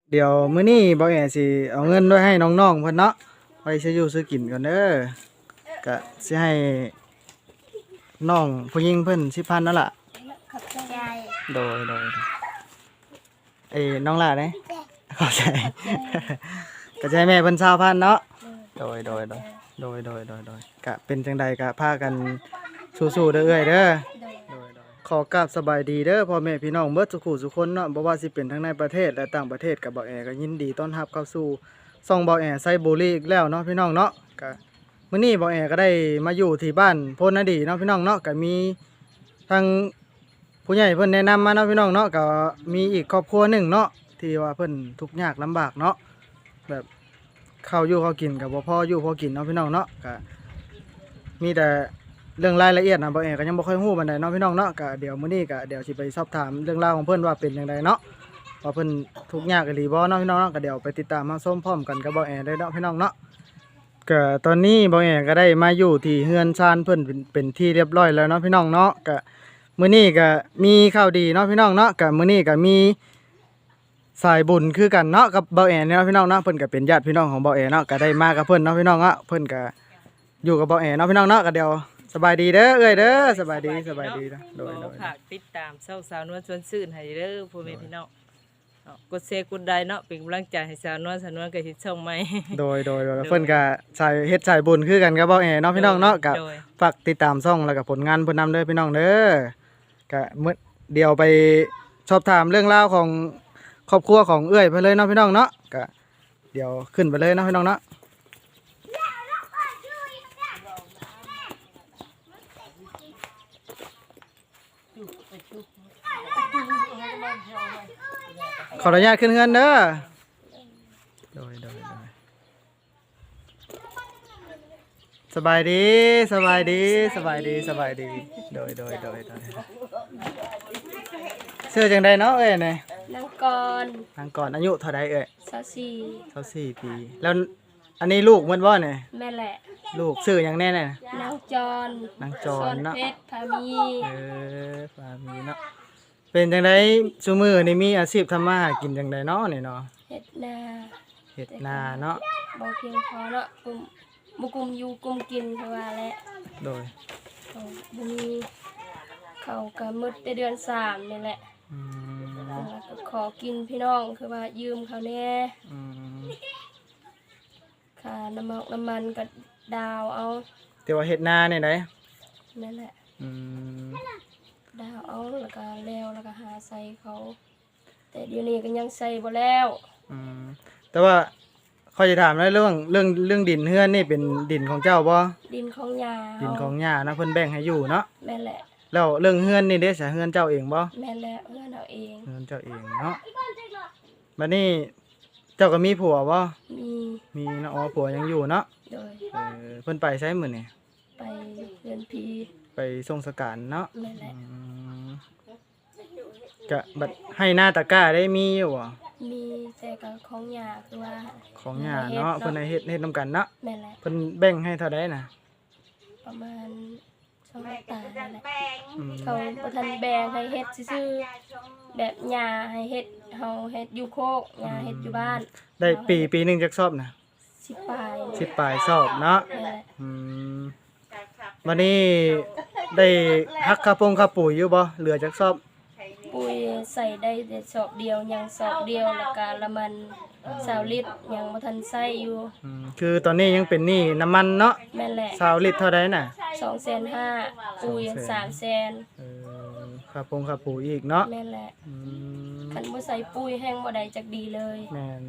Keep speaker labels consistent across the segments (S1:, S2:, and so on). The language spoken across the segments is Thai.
S1: เดี๋ยวมื้อนี้บ่แอสิเอาเงินไว้ให้น้องๆเพิ่นเนาะไว้ซื้ออยู่ซื้อกินก่อนเด้อก็สิให้น้องผู้หญิงเพิ่น10,000นั่นล่ะ
S2: ขอบใจ
S1: โดยน้องล่ะเด้เข้าใจก็จะให้แม่เพิ่น20,000เนาะโดยก็เป็นจังใดก็พากันสู้ๆเด้อเอ้ยเด้อขอกราบสบายดีเด้อพ่อแม่พี่น้องเบิดสุขุสุคนเนาะบ่ว่าสิเป็นทั้งในประเทศและต่างประเทศกับบ่าวแอก็ยินดีต้อนรับเข้าสู่ช่องบ่าวแอไซบุรีอีกแล้วเนาะพี่น้องเนาะก็มื้อนี้บ่าวแอก็ได้มาอยู่ที่บ้านโพนนาดีเนาะพี่น้องเนาะก็มีทางผู้ใหญ่เพิ่นแนะนำมาเนาะพี่น้องเนาะก็มีอีกครอบครัวหนึ่งเนาะที่ว่าเพิ่นทุกข์ยากลำบากเนาะแบบข้าวอยู่ข้าวกินก็บ่พออยู่พอกินเนาะพี่น้องเนาะก็มีแต่เรื่องรายละเอียดนะบ่าวแอก็ยังบ่ค่อยฮู้ปานใดเนาะพี่น้องเนาะก็เดี๋ยวมื้อนี้ก็เดี๋ยวสิไปสอบถามเรื่องราวของเพิ่นว่าเป็นจังไดเนาะว่าเพิ่นทุกข์ยากอีหลีบ่เนาะพี่น้องเนาะก็เดี๋ยวไปติดตามมาชมพร้อมกันกับบ่าวแอเลยเนาะพี่น้องเนาะก็ตอนนี้บ่าวแอก็ได้มาอยู่ที่เฮือนชานเพิ่นเป็นที่เรียบร้อยแล้วเนาะพี่น้องเนาะก็มื้อนี้ก็มีข่าวดีเนาะพี่น้องเนาะก็มื้อนี้ก็มีสายบุญคือกันเนาะกับบ่าวแอเนาะพี่น้องเนาะเพิ่นก็เป็นญาติพี่น้องของบ่าวแอเนาะก็ได้มากับเพิ่นเนาะพี่น้องเนาะเพิ่นก็อยู่กับบ่าวแอเนาะพี่น้องเนาะก็เดี๋ยวสบายดีเด้อเอ้ยเด้อสบายดีนะโดย
S3: ฝากติดตามสาวนวลชวนซื่นให้เด้อพ่อแม่พี่น้องกดแชร์กดไลค์เนาะเป็นกำลังใจให้สาวนวลก็สิช่องใหม่
S1: โดยเพิ่นก็สายเฮ็ดสายบุญคือกันกับบ่าวแอเนาะพี่น้องเนาะก็ฝากติดตามช่องแล้วก็ผลงานเพิ่นนำเด้อพี่น้องเด้อก็มื้อเดี๋ยวไปสอบถามเรื่องราวของครอบครัวของเอื้อยเพิ่นเลยเนาะพี่น้องเนาะก็เดี๋ยวขึ้นไปเลยเนาะพี่น้องเนาะขออนุญาตขึ้นเงินเด้อโดยสบายดีโดยชื่อจังใดเนาะเอ้ยนี่
S2: นางกร
S1: อายุเท่าใดเอ้ย
S2: 24
S1: ปีแล้วอันนี้ลูกมันบ่เนี่ย
S2: แม่แหละ
S1: ลูกชื่อหยังแน่เนี่ย
S2: นางจร
S1: เนาะ
S2: เพชรพามี
S1: พามีเนาะเป็นจังไดซุมื้อนี่มีอาชีพทำมาหากินจังไดเนาะนี่เนาะ
S2: เฮ็ดนา
S1: เนาะ
S2: บ่เพียงพอเนาะบ่กุมอยู่กุมกินเพราะว่าแหละ
S1: โดย
S2: บ่มีเขาก็หมดแต่เดือน3นี่แหละแล้วก็ขอกินพี่น้องคือว่ายืมเขาแน่ค่าน้ำมันก็ดาวเอา
S1: แต่ว่าเฮ็ดนานี่ได
S2: นั่นแหละดาวเอาแล้วก็แล้วก็หาใส่เขาแต่เดี๋ยวนี้ก็ยังใส่บ่แล้ว
S1: แต่ว่าข้อยจะถามเรื่องดินเฮือนนี่เป็นดินของเจ้าบ่
S2: ดินของย่า
S1: นะเพิ่นแบ่งให้อยู่เนาะ
S2: แม่นแหละ
S1: แล้วเรื่องเฮือนนี่เด้ซะเฮือนเจ้าเองบ่
S2: แม่นแล้วเฮือนเอาเอง
S1: เฮือนเจ้าเองเนาะบัดนี้เจ้าก็มีผัวบ่มีเนาะอ๋อผัวยังอยู่เนาะ
S2: โดย
S1: เพิ่นไปไสมื้อนี่
S2: ไปเฮือนพี
S1: ไปส่งสการเนาะ
S2: แม่นแหละ
S1: ก็บัดให้หน้าตะกร้าได้มีอยู่บ่
S2: มีแต่ก็ของย่าคือว่า
S1: ของย่าเนาะเพิ่นให้เฮ็ดนำกันเนาะ
S2: แม่นแหละ
S1: เพิ่นแบ่งให้เท่าใดน่ะ
S2: ประมาณ2 ตานั่นแหละเขาบ่ทันแบ่งให้เฮ็ดซื่อๆแบบย่าให้เฮ็ดเฮาเฮ็ดอยู่โคกย่าเฮ็ดอยู่บ้าน
S1: ได้ปีนึงจักสอบน่ะ
S2: 10 ปลาย
S1: สอบเนาะวันนี้ได้ฮักค่าปุ๋ยอยู่บ่เหลือจักสอบ
S2: ปุ๋ยใส่ได้แต่สอบเดียวยังสอบเดียวแล้วก็ละมัน20 ลิตรยังบ่ทันใส่อยู่
S1: คือตอนนี้ยังเป็นหนี้น้ำมันเนาะ
S2: แม่นแหละ
S1: 20 ลิตรเท่าใดน่ะ
S2: 250,000ปุ๋ย300,000
S1: ค่าปุ๋ยอีกเนาะ
S2: แม่นแหละคันบ่ใส่ปุ๋ยแห้งบ่ได้จักดีเลย
S1: แม่น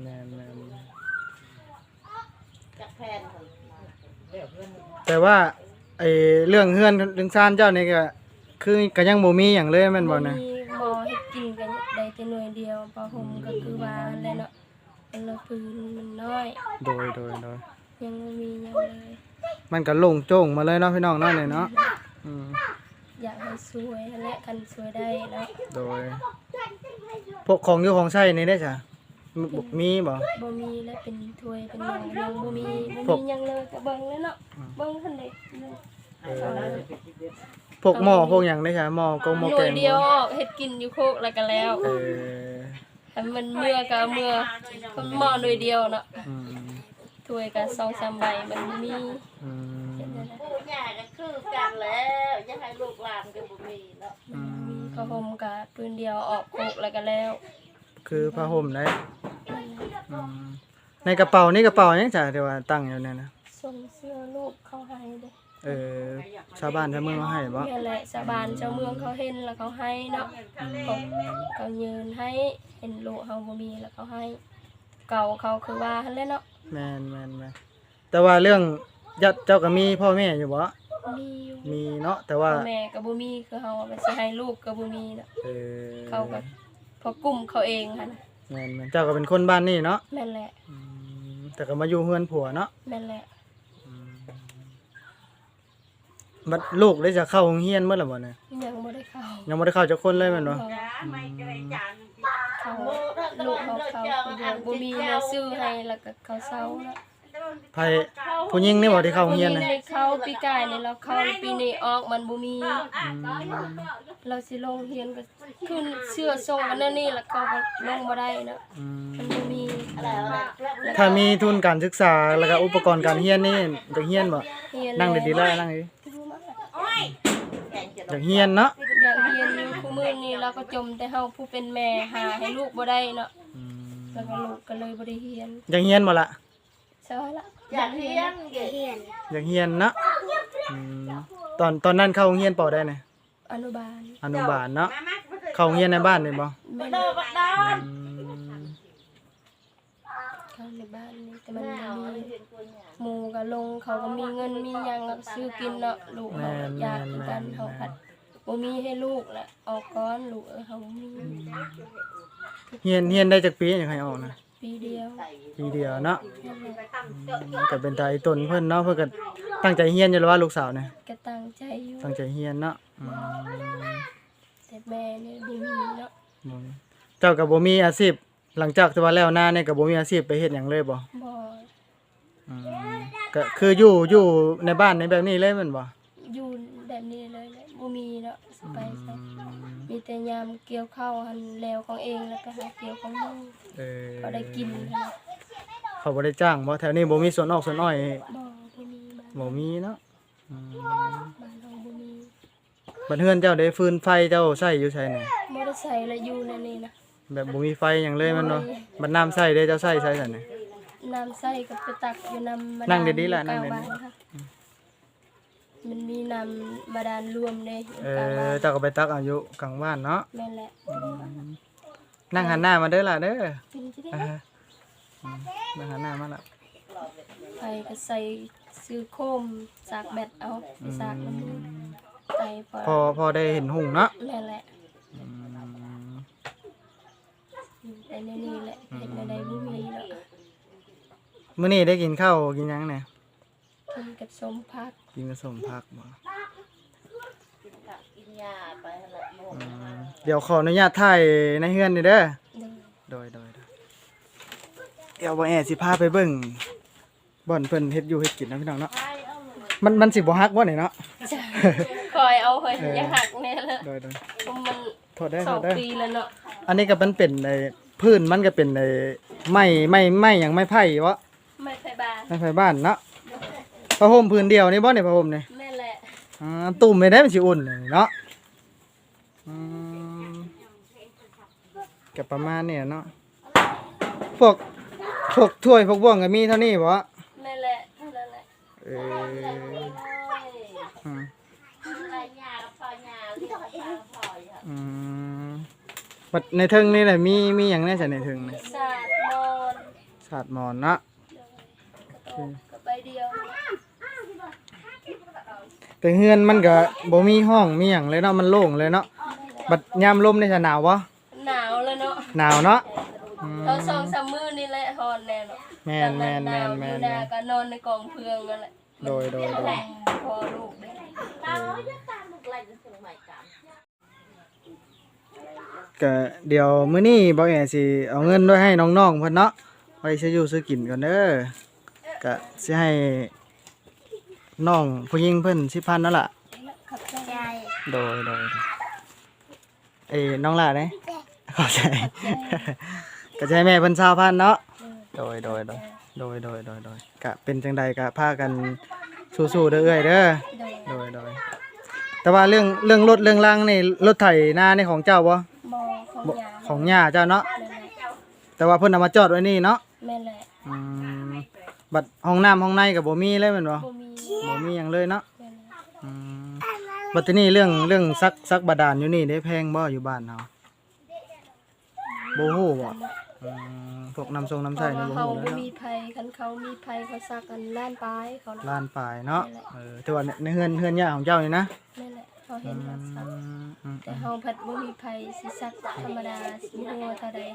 S1: แต่ว่าไอ้เรื่องเฮือนเรื่องซ่านเจ้านี่ก็คือก็ยังบ่มีหยังเลยแม่นบ่นะ
S2: หมอเฮ็ดกินกันได้แต่หน่วยเดียวพอห่มก็คือว่าแหละเนาะละพื้นมันน้อย
S1: โดย
S2: ยังบ่มีหยังเลย
S1: มันก็โล่งโจ้งมาเลยเนาะพี่น้องเนาะนี่เนาะ
S2: อยากให้สวยและคันสวยได้เนาะ
S1: โดยพวกของอยู่ของใช้นี่ได้จ้ะมีบ่
S2: มีและเป็นถ้วยเป็นหยังยังบ่มีหยังเลยก็เบิ่งเลยเนาะเบิ่งคั่นเด้
S1: พวกหม้อพวกหยังได้จ้ะหม้อก็หม้อแกง
S2: หน่วยเดียวเฮ็ดกินอยู่โคกแล้วก็แล้วหคันมันเมื่อก็เอาเมื่อคนหม้อโดยเดียวเนาะ
S1: อืม
S2: ถ้วยก็2-3ใบมันมี
S1: อืม
S2: เห็นได้นะ
S4: ผู้ใหญ่ก็คือกันแล้วจะให้ลูกหลานก็บ่มีเนาะ
S2: มีข้าวห่มก็ปืนเดียวออกโคกแล้วก็แล้ว
S1: คือผ้าห่มได้
S2: นั่นแหละ
S1: อืมในกระเป๋านี่กระเป๋าหยังจ้ะที่ว่าตั้งอยู่เนี่ยนะ
S2: ส่งเสื้อลูกเขาให้เด้
S1: ชาวบ้านชาวเมืองเขาให้บ่
S2: นี่นแหละชาวบ้านชาวเมืองเขาเห็นแล้วเขาให้เนาะเขายืนให้เห็นลูกเฮาบ่มีแล้วเขาให้ เก่าเขาคือว่าหั่นแหละเนาะ
S1: แม่นแต่ว่าเรื่องญาติเจ้าก็มีพ่อแม่อยู่บ่
S2: มีอยู่
S1: มีเนาะแต่ว่า
S2: พ่อแม่ก็บ่มีคือเฮาว่าสิให้ลูกก็บ่มีเนาะ
S1: เออ
S2: เขาก็พอกลุ่มเขาเองหั่นน่ะ
S1: แม่นเจ้าก็เป็นคนบ้านนี่เนาะ
S2: แม่นแหละ
S1: แต่ก็มาอยู่เฮือนผัวเนาะ
S2: แม่นแหละ
S1: บัดลูกได้จะเข้าโรงเรียนเมื่อไหร่บ่เนี่ย
S2: ยังบ่ได้เข้า
S1: ยังบ่ได้เข้าจักคนเลยแม่นบ่
S2: เขาลูกเขาคนเดียวบ่มีแม่ซื้อให้แล้วก็เขาเซาแล้ว
S1: ไผผู้หญิงนี่บ่ที่เข้าโรงเรียน
S2: นี่
S1: น่ะ
S2: เข้าปีกายนี่เราเข้าปีนี้ออกมันบ่มี เราสิลงเรียนก็ขึ้นเสื้อทรงกันนั่นนี่แล้วเขาก็ลงบ่ได้เนาะ
S1: อืม
S2: มันบ่มี
S1: ถ้ามีทุนการศึกษาแล้วก็อุปกรณ์การเรียนนี่จะเรียนบ่
S2: เรียน
S1: นั่งดีๆแล้วนั่งดีอยากเรียนเนาะ
S2: อยากเรียนอยู่คู่มื้อนี้เราก็จมแต่เฮาผู้เป็นแม่หาให้ลูกบ่ได้เนาะแล้วก็ลูกก็เลยบ่ได้เรียน
S1: อยากเรียนบ่ล่ะ
S2: ใช่ละ
S4: อยากเรียนเก่ง
S1: อยากเรียนเนาะอืมตอนนั้นเข้าโรงเรียนปอได้ไหน
S2: อนุบาล
S1: อนุบาลเนาะเข้าโรงเรียนในบ้านนี่บ่
S2: แม่น
S4: โตบักดอน
S2: เข้าในบ้านนี่แต่มันบ่มีหมู่ก็ลงเขาก็มีเงินมีหยังก็ซื้อกินเนาะลูกเฮาอยากคือกันเฮาผัดบ่มีให้ลูกแหละออกก่อนลูกเฮาบ่มี
S1: เรียนได้จักปีอยากให้ออกนะ
S2: ปีเดียว
S1: ปีเดียวเนาะก็เป็นตาอีตนเพิ่นเนาะเพิ่นก็ตั้งใจเรียนอยู่แล้วว่าลูกสาวเนี่ย
S2: ก็ตั้งใจอยู่
S1: ตั้งใจเรียนเนาะ
S2: แต่แม่นี่บ่มีเนาะ
S1: เจ้าก็บ่มีอาชีพหลังจากที่ว่าแล้วหน้าเนี่ยก็บ่มีอาชีพไปเฮ็ดหยังเลยบ่
S2: บ่
S1: อืมก็คืออยู่ในบ้านในแบบนี้เลยแม่นบ่
S2: อยู่แบบนี้เลยแหละบ่มีเนาะสิไปใส่มีแต่ยามเกี่ยวข้าวหันแล้วของเองแล้วก็หาเกี่ยวของลูก
S1: เออ
S2: เขาได้กินนะ
S1: เขาบ่ได้จ้างบ่แถวนี้บ่มีสวนออกสวนอ้อย
S2: บ่มีบ้าน
S1: บ่มีเนาะ
S2: บ้านเราบ่มี
S1: บัดเฮือนเจ้าได้ฟืนไฟเจ้าใช้อยู่ไสเนี่ย
S2: บ่ได้ใส่และอยู่ในนี้นะ
S1: แบบบ่มีไฟหยังเลยแมันบ่บัดน้ำใช้ได้เจ้าใช้ซั่นเนี่ย
S2: น้ำใส่ก็ไปตักอยู่น้ำบาดาล
S1: นั่งดีๆล่ะนั่งดีๆ
S2: กลาบ้าค่ะมันมีน้ำบาดาลรวมเด้อยู่
S1: เอก
S2: ลางบ้า
S1: อน เจ้าก็ไปตักเอาอยู่กลางบ้านเนาะ
S2: แม่นแหละ
S1: นั่งหันหน้ามาเด้อล่ะเด้อ
S2: กินสิได้
S1: อ่าฮะนั่งหันหน้ามาละ
S2: ไปก็ใส่ซื้อโคมสากแบตเอาไปสากน้ำมูกไป
S1: พอได้เห็นหุ่งเนาะ
S2: แม่นแหละแต่ในนี่แหละเฮ็ดในใดบ่มีเนาะ
S1: มื้อนี้ได้กินข้าวกินหยังเนี่ย
S2: กินกับสมพัก
S1: กินกับสมผักบ่
S4: กินยาไปหั่นแหละหมด
S1: เดี๋ยวขออนุญาตถ่ายในเฮือนนี่เด้อ
S2: เด้อ
S1: โดยเดี๋ยวบ่แอสิพาไปเบิ่งบ่อนเพิ่นเฮ็ดอยู่เฮ็ดกินนะพี่น้องเนาะมันสิบ่ฮักบ่นี่เนาะ
S2: จ้ะคอยเอาเฮ้ยอย่าหักแน่ละ
S1: โดย
S2: เพราะมัน
S1: โทษเด้อ
S2: ส
S1: โท
S2: อง
S1: ษเด้อ
S2: ปีแล้วเนาะ
S1: อันนี้ก็มันเป็นไอ้พื้นมันก็เป็นไอ้ไม้หยังไม้ไผ่วะ
S2: ไม่ไปบ้าน
S1: ไม้ไผ่บ้านเนาะผ้าห่มพื้นเดียวนี่บ่นี่ผ้าห่มนี่
S2: แม่นแหละ
S1: ตุ่มไม่ได้มันสิอุ่นเลยเนาะอืมก็ประมาณนี้เนาะพวกถ้วยพวกบ่วงก็มีเท่านี้บ่
S2: แม่นแหละเท่านั้นแหละ
S1: เอออืม
S4: ไรยากับพอยาเรียกว่าพอยอ่ะ
S1: อืมบัดในเทิงนี่แหละมีหยังแน่จ้ะในเทิงนี่
S2: สาดนอน
S1: สาดหมอนเนาะ
S2: ก็ไปเดียว
S1: แต่เฮือนมันก็บ่มีห้องมีหยังเลยเนาะมันโล่งเลยเนาะบัดยามลมนี่จะหนาวบ่
S2: หนาวแล้วเนาะ
S1: หนาวเนาะอืม
S2: เรา2-3มื้อนี่แหละฮอนแน่เนาะ
S1: แม่น
S2: หนาวอยู่นาก็นอนในกองเพืองนั่นแหละ
S1: โดย
S2: พอลูกได้
S4: ตาเราจะตามลูกไรจะส่งใหม่กัน
S1: ก็เดี๋ยวมื้อนี้บ่แอสิเอาเงินด้วยให้น้องๆเพิ่นเนาะไว้ซื้ออยู่ซื้อกินก่อนเด้อก็สิให้น้องผู้หญิงเพิ่น10,000นั่นล่ะ
S2: ขับใจ
S1: โดยน้องล่ะเด้ขอบใจก็จะให้แม่เพิ่น20,000เนาะ
S2: โดย
S1: โดยก็เป็นจังใดก็พากันสู้ๆเด้อเอ้ยเด้อ
S2: โดย
S1: แต่ว่าเรื่องรถเรื่องล่างนี่รถไถนานี่ของเจ้าบ่
S2: บ่ของ
S1: บ่
S2: ยา
S1: ของย่าเจ้าเนาะ
S2: แม่นแหละ
S1: แต่ว่าเพิ่นเอามาจอดไว้นี่เนาะ
S2: แม่นแหละ
S1: อืมบัดห้องน้ำห้องในก็บ่มีเลยแม่นบ่
S2: บ่มี
S1: บ่มีหยังเลยเนาะ
S2: แม่นแหละ
S1: อืมบัดทีนี้เรื่องซักบาดาลอยู่นี่ได้แพงบ่อยู่บ้านเฮาบ่ฮู้บ่อืมพวกน้ำทรงน้ำ
S2: เพ
S1: ใช้
S2: ราะ
S1: นี่
S2: ว่า
S1: บ่
S2: เขา
S1: ฮู้เลย
S2: บ่
S1: เนาะ
S2: มีภัยคันเขามีภัยเขาซักกันล้านปลายเขานะ
S1: ล้านปลายเนาะแต่ว่าในเฮือนย่าของเจ้านี่นะ
S2: แม่นแหละเขาเห็นเขาซัก
S1: อืม
S2: แต่เฮาผัดบ่มีภัยสิซักธรรมดาสิฮู้ว่าเท่าใด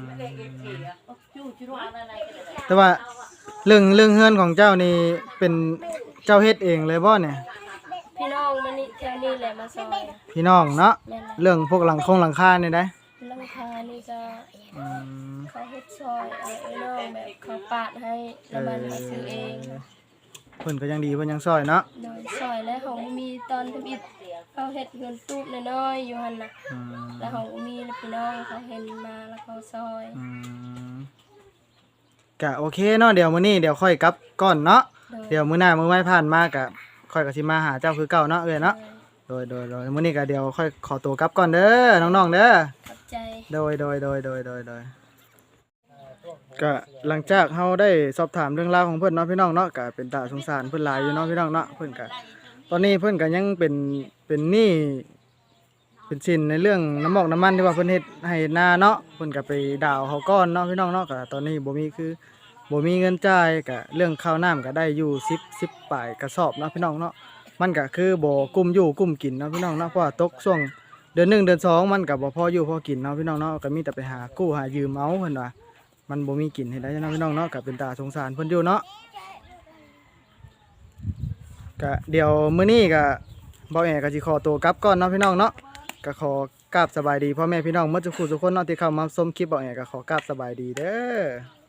S1: แต่ว่าเรื่องเฮือนของเจ้านี่เป็นเจ้าเฮ็ดเองเลยบ่เนี่ย
S2: พี่น้องมานี่แถวนี้แหละมาซอย
S1: พี่น้องเนาะ
S2: แม่นแหละ
S1: เรื่องพวกหลังคานี่ได้
S2: หลังคานี่ก็
S1: อืม
S2: เขาเฮ็ดซอยเอาไอ้น้องแบบเขาปาดให้แล้วมันมาซื้อเอง
S1: เพิ่นก็ยังดีเพิ่นยังซอยเนาะ
S2: โดยซอยและของมีตอนทำอิฐเขาเฮ็ดเฮือนตูบน้อยๆอยู่หั่นน่ะ
S1: อืม
S2: แล้วของมีแล้วพี่น้องเขาเห็นมาแล้วเขาซอย
S1: อืมก็โอเคเนาะเดี๋ยวมื้อนี้เดี๋ยวค่อยกลับก่อนเนาะ
S2: โดย
S1: เดี๋ยวมื้อหน้ามื้อไม่ผ่านมาก็ค่อยก็สิมาหาเจ้าคือเก่าเนาะเอ้ยเนาะโดยมื้อนี้ก็เดี๋ยวค่อยขอตัวกลับก่อนเด้อน้องๆเด้อ
S2: ขอบใจ
S1: โดยก็หลังจากเฮาได้สอบถามเรื่องราวของเพิ่นเนาะพี่น้องเนาะก็เป็นตาสงสารเพิ่นหลายอยู่เนาะพี่น้องเนาะเพิ่นก็ตอนนี้เพิ่นก็ยังเป็นหนี้เป็นสินในเรื่องน้ำมอกน้ำมันที่ว่าเพิ่นเฮ็ดให้นาเนาะเพิ่นก็ไปดาวเขาก้อนเนาะพี่น้องเนาะก็ตอนนี้บ่มีเงินจ่ายก็เรื่องข้าวน้ำก็ได้อยู่10ปลายกระสอบเนาะพี่น้องเนาะมันก็คือบ่กุ้มอยู่กุ้มกินเนาะพี่น้องเนาะเพราะว่าตกช่วงเดือน1เดือน2มันก็บ่พออยู่พอกินเนาะพี่น้องเนาะก็มีแต่ไปหากู้หายืมเอาเพิ่นว่ามันบ่มีกินเฮ็ดได้เนาะพี่น้องเนาะก็เป็นตาสงสารเพิ่นอยู่เนาะก็เดี๋ยวมื้อนี้ก็บ่แอก็สิขอตัวกลับก่อนเนาะพี่น้องเนาะก็ขอกราบสบายดีพ่อแม่พี่น้องหมดทุกผู้ทุกคนเนาะที่เข้ามาชมคลิปบ่แอก็ขอกราบสบายดีเด้อ